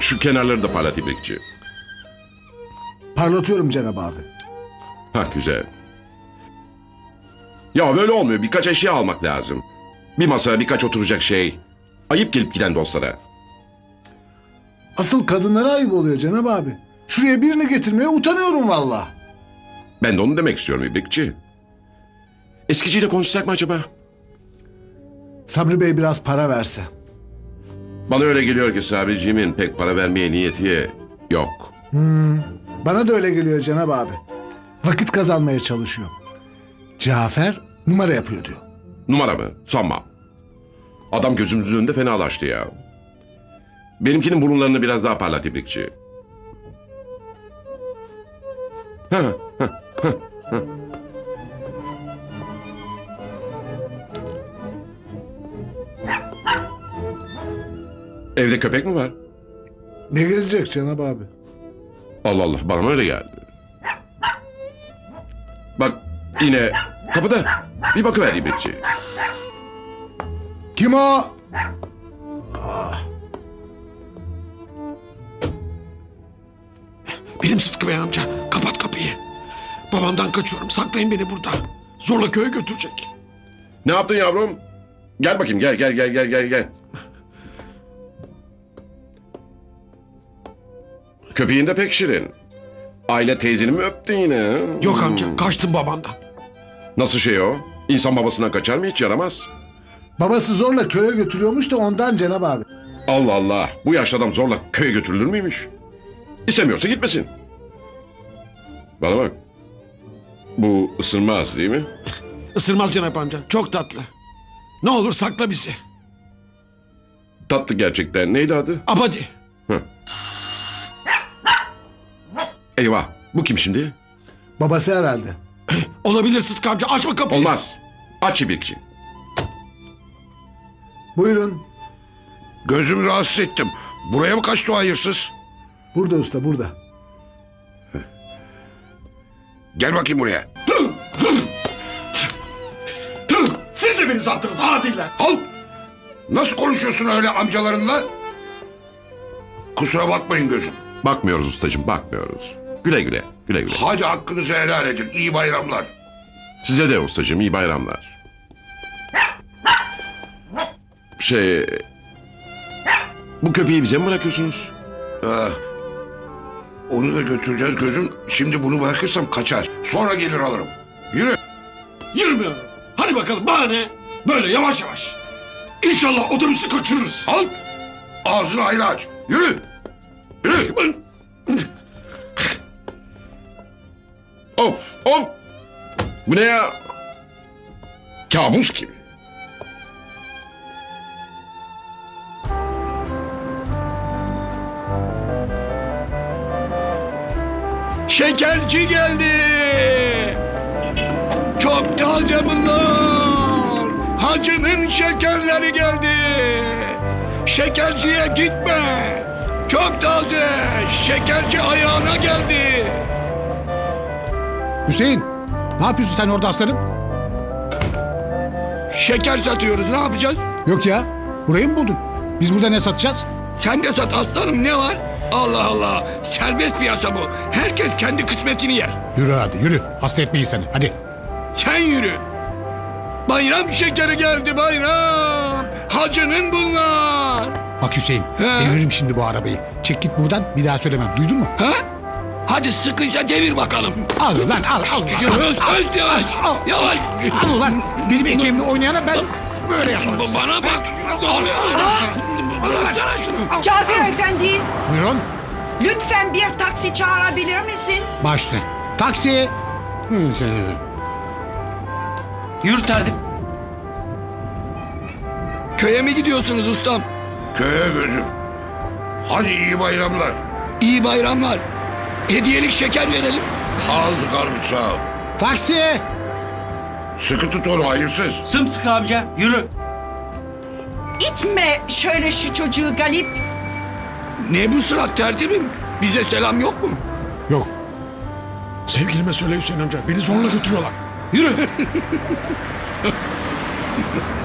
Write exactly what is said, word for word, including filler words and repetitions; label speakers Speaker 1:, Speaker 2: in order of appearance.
Speaker 1: Şu kenarları da parlat İbrikçi.
Speaker 2: Parlatıyorum Cenab abi.
Speaker 1: Ha güzel. Ya böyle olmuyor. Birkaç eşya almak lazım. Bir masa, birkaç oturacak şey. Ayıp gelip giden dostlara.
Speaker 2: Asıl kadınlara ayıp oluyor Cenab abi. Şuraya birini getirmeye utanıyorum valla.
Speaker 1: Ben de onu demek istiyorum İbrikçi. Eskiciyle konuşsak mı acaba?
Speaker 2: Sabri Bey biraz para verse.
Speaker 1: Bana öyle geliyor ki Sabriciğimin pek para vermeye niyeti yok.
Speaker 2: Hmm, bana da öyle geliyor Cenab abi. Vakit kazanmaya çalışıyor. Cafer numara yapıyor diyor.
Speaker 1: Numara mı? Sanmam. Adam gözümüzün önünde fenalaştı ya. Benimkinin burunlarını biraz daha parlat İbrikçi. Ha, ha, ha, ha. Evde köpek mi var?
Speaker 2: Ne gezecek Cenab abi?
Speaker 1: Allah Allah, bana mı öyle geldi? Bak yine kapıda. Bir bakıver İbrikçi.
Speaker 2: Kim o?
Speaker 3: Benim Sıtkı Bey amca. Kapat kapıyı. Babamdan kaçıyorum. Saklayın beni burada. Zorla köye götürecek.
Speaker 1: Ne yaptın yavrum? Gel bakayım, gel gel gel gel gel gel. Köpeğin de pek şirin. Aile teyzeni mi öptün yine?
Speaker 3: Yok amca. Kaçtım babamdan.
Speaker 1: Nasıl şey o? İnsan babasından kaçar mı, hiç yaramaz?
Speaker 2: Babası zorla köye götürüyormuş da ondan Cenab abi.
Speaker 1: Allah Allah, bu yaşlı adam zorla köye götürülür müymüş? İstemiyorsa gitmesin. Bana bak. Bu ısırmaz değil mi?
Speaker 3: Isırmaz Cenap amca. Çok tatlı. Ne olur sakla bizi.
Speaker 1: Tatlı gerçekten. Neydi adı?
Speaker 3: Abadi.
Speaker 1: Eyvah, bu kim şimdi?
Speaker 2: Babası herhalde.
Speaker 3: Olabilir Sıtkı amca. Açma kapıyı.
Speaker 1: Olmaz. Aç İbrikçi.
Speaker 2: Buyurun.
Speaker 4: Gözümü rahatsız ettim. Buraya mı kaçtı o hayırsız?
Speaker 2: Burada usta burada.
Speaker 4: Gel bakayım buraya.
Speaker 3: Tüh! Siz de beni sattınız adiler.
Speaker 4: Al! Nasıl konuşuyorsun öyle amcalarınla? Kusura bakmayın gözüm.
Speaker 1: Bakmıyoruz ustacığım, bakmıyoruz. Güle güle, güle güle.
Speaker 4: Hadi hakkınızı helal edin. İyi bayramlar.
Speaker 1: Size de ustacığım, iyi bayramlar. Şey... Bu köpeği bize mi bırakıyorsunuz?
Speaker 4: Ah, onu da götüreceğiz gözüm. Şimdi bunu bırakırsam kaçar. Sonra gelir alırım. Yürü.
Speaker 3: Yürümüyorum. Hadi bakalım bana ne? Böyle yavaş yavaş. İnşallah otobüsü kaçırırız.
Speaker 4: Al. Ağzını ayrı aç. Yürü. Yürü.
Speaker 1: Of, of! Bu ne ya? Kabus gibi.
Speaker 3: Şekerci geldi. Çok taze bunlar. Hacının şekerleri geldi. Şekerciye gitme. Çok taze. Şekerci ayağına geldi.
Speaker 5: Hüseyin, ne yapıyorsun sen orada aslanım?
Speaker 3: Şeker satıyoruz. Ne yapacağız?
Speaker 5: Yok ya, burayı mı buldun? Biz burada ne satacağız?
Speaker 3: Sen de sat aslanım. Ne var? Allah Allah. Serbest piyasa bu. Herkes kendi kısmetini yer.
Speaker 5: Yürü hadi, yürü. Hasta etmeyin seni, hadi.
Speaker 3: Sen yürü. Bayram şekeri geldi bayram. Hacının bunlar.
Speaker 5: Bak Hüseyin,
Speaker 3: He.
Speaker 5: deviririm şimdi bu arabayı. Çek git buradan, bir daha söylemem. Duydun mu?
Speaker 3: Ha? Hadi sıkıysa devir bakalım.
Speaker 5: Al lan, al, al.
Speaker 3: Yavaş, yavaş, yavaş.
Speaker 5: Al,
Speaker 3: Yavaş.
Speaker 5: al lan. Benim ekmeğimle oynayana ben böyle yaparım.
Speaker 3: Bana bak. Ne oluyor? Bıraksana şunu.
Speaker 6: Cafer Efendi,
Speaker 5: Buyurun,
Speaker 6: lütfen bir taksi çağırabilir misin?
Speaker 5: baş üstüne. Taksi. Hı, seni de.
Speaker 7: Yürü terdim.
Speaker 3: Köye mi gidiyorsunuz ustam?
Speaker 4: Köye gözüm. Hadi iyi bayramlar.
Speaker 3: İyi bayramlar. Hediyelik şeker verelim.
Speaker 4: Aldık aldık sağ ol.
Speaker 5: Taksi.
Speaker 4: Sıkı tut onu hayırsız.
Speaker 7: Sımsıkı amca yürü.
Speaker 6: İtme şöyle şu çocuğu Galip.
Speaker 3: Ne bu surat tertibim? Bize selam yok mu?
Speaker 5: Yok.
Speaker 3: Sevgilime söyle Hüseyin amca. Beni zorla götürüyorlar. Yürü.